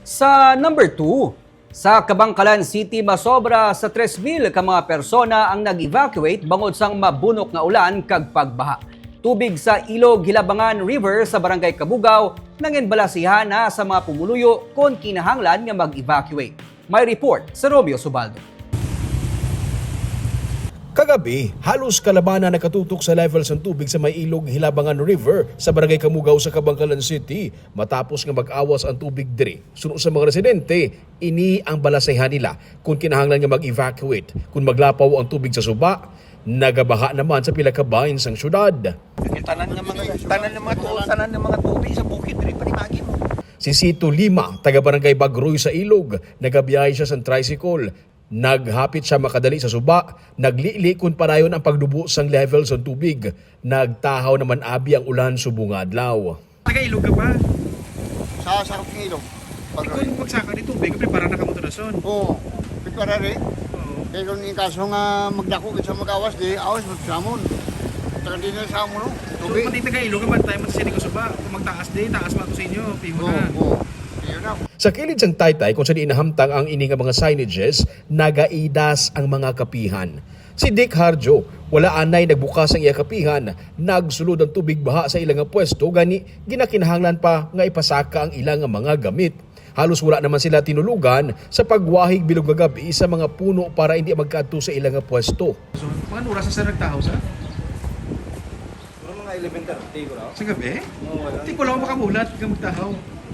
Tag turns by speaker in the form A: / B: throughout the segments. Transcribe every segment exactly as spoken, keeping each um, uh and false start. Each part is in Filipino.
A: Sa number two, sa Kabangkalan City masobra sa tres mil ka mga persona ang nag-evacuate bangod sang mabunok nga ulan kag pagbaha. Tubig sa Ilog Hilabangan River sa Barangay Kabugaw nanginbalasihan na sa mga pumuluyo kon kinahanglan nga mag-evacuate. May report sa Romeo Subaldo.
B: Kagabi, halos kalabanan nakatutok sa levels ng tubig sa may Ilog Hilabangan River sa Barangay Kamugaw sa Kabangkalan City matapos nga mag-awas ang tubig diri. Suno sa mga residente, ini ang balasehan nila kung kinahanglan nga mag-evacuate. Kung maglapaw ang tubig sa suba, nagabaha naman sa pila ka bahin sang syudad.
C: Yung tanan ng mga tanan ng mga tuol, tanan ng mga tubig sa bukid diri panimagi mo.
B: Si Sito Lima, taga Barangay Bagroy sa Ilog, nagabiyahe siya sa tricycle. Naghapit siya makadali sa suba, naglili kun padayon ang pagdubo sang levels ng tubig. Nagtahaw naman abi ang ulan subong adlaw.
D: Taga-ilog ka pa?
C: Sa sarap ng ilog.
D: Pag kung magsaka ni tubig, kapag para nakamoto na son.
C: Oo. Pagkara rin.
D: Oo.
C: Kaya kung yung kaso nga magdako sa mag-awas, di awas magsamon. Taga din na sa mo, no?
D: So,
C: Tubig.
D: pati taga-ilog ka ba? Tayo matasini ko sa ba? Kung magtaas din, taas pa ito sa inyo. Pimo
C: Oo,
D: na.
C: oo. Yun na.
B: Sa kilid sang taytay kung saan inahamtang ang ini nga mga signages, nagaidas ang mga kapihan. Si Dick Harjo, wala anay nagbukas ang iya kapihan, nagsulod ang tubig baha sa ilang nga pwesto, gani ginakinahanglan pa nga ipasaka ang ilang nga mga gamit. Halos wala naman sila tinulugan sa pagwahig bilog nga gabi sa mga puno para hindi magkaadto sa ilang nga pwesto.
D: So, mga oras na sa nagtahaw sa?
E: Mga elementar, di ko na.
D: Sa gabi?
E: Oo, wala.
D: Hindi ko lang makamulat ka magtahaw.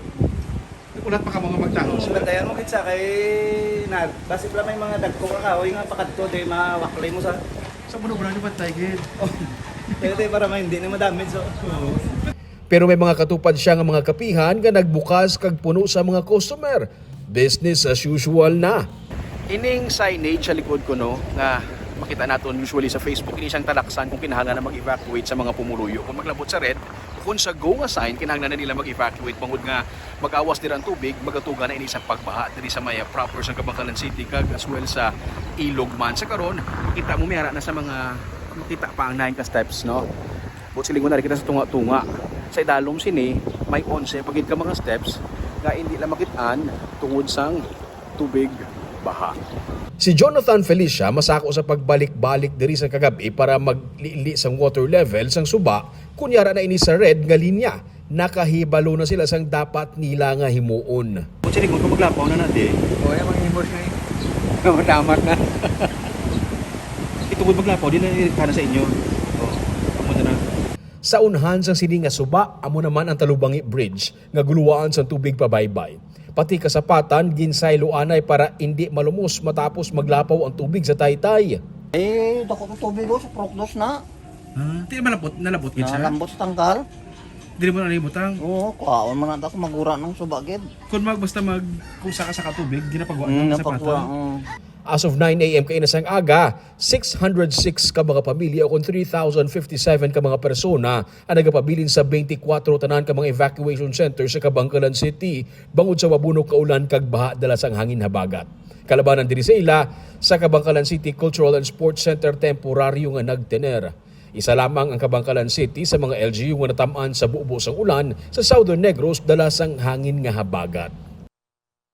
D: Ulat pa ka mga magtahaw sa?
E: Bantayan mo kitsa kay Nad. Basi pala may mga dagko ka kahoy nga pakadto di mawaklay mo sa.
D: Sa bunobra ni Bantay, Gid.
E: Kaya para may hindi na madamage so.
D: Oo.
B: Pero may mga katupad siya nga mga kapihan nga nagbukas kag puno sa mga customer. Business as usual na.
F: Ining signage sa likod ko no nga makita naton usually sa Facebook ini siyang talaksan kung kinahanglan na mag-evacuate sa mga pumuluyo. Kung maglabot sa red, kung sa go nga sign kinahanglan na nila mag-evacuate bangod nga mag-awas dira ang tubig, magatuga na ini sa pagbaha diri sa maya proper sa Kabangkalan City kag as well sa Ilog man. Sa karon, kita mo mihara na sa mga makita pa ang nine ka steps no. But silingon na rin kita sa tunga-tunga. Sa idalom sini may onse pagid ka mga steps nga hindi lang makitaan tungod sang tubig baha.
B: Si Jonathan Felicia masako sa pagbalik-balik diri sa kagabi para maglili sang water level sang suba kunyara na ini sa red nga linya. Nakahibalo na sila sang dapat nila nga himuon.
D: Kung silingon ko maglapaw na natin.
C: Oo, yung mga himos nga eh.
D: Matamat na. Itungod maglapaw, di na iritana sa inyo. Oo. Pamunta na.
B: Sa unhan sang sini nga suba amo naman ang Talubangi Bridge nga guluwaan sang tubig pabaybay. Pati kasapatan ginsaylo anay para hindi malumos matapos maglapaw ang tubig sa taytay.
C: Eh, dako ng tubig ko sa prokdos na.
D: Ah, di malapot, nalabot gid siya.
C: Nalambot sa tangkal.
D: Di mo na nalibutang.
C: Oo, kuhaon man na ako magura ng subagid.
D: Kung mag basta mag kung saka sa katubig, ginapagawa
C: Hmm,
D: ng
C: napagwa.
D: sapatan.
C: oo.
B: As of nine a m kainasang aga, six hundred six ka mga pamilya o kung three thousand fifty-seven ka mga persona ang nagapabilin sa twenty-four tanan ka mga evacuation center sa Kabangkalan City bangod sa wabunok kaulan kag baha dala sang hangin habagat. Kalabanan diri sa ila sa Kabangkalan City Cultural and Sports Center temporaryo nga nagtener. Isa lamang ang Kabangkalan City sa mga L G U nga natamaan sa bubo sang ulan sa Southern Negros dala sang hangin nga habagat.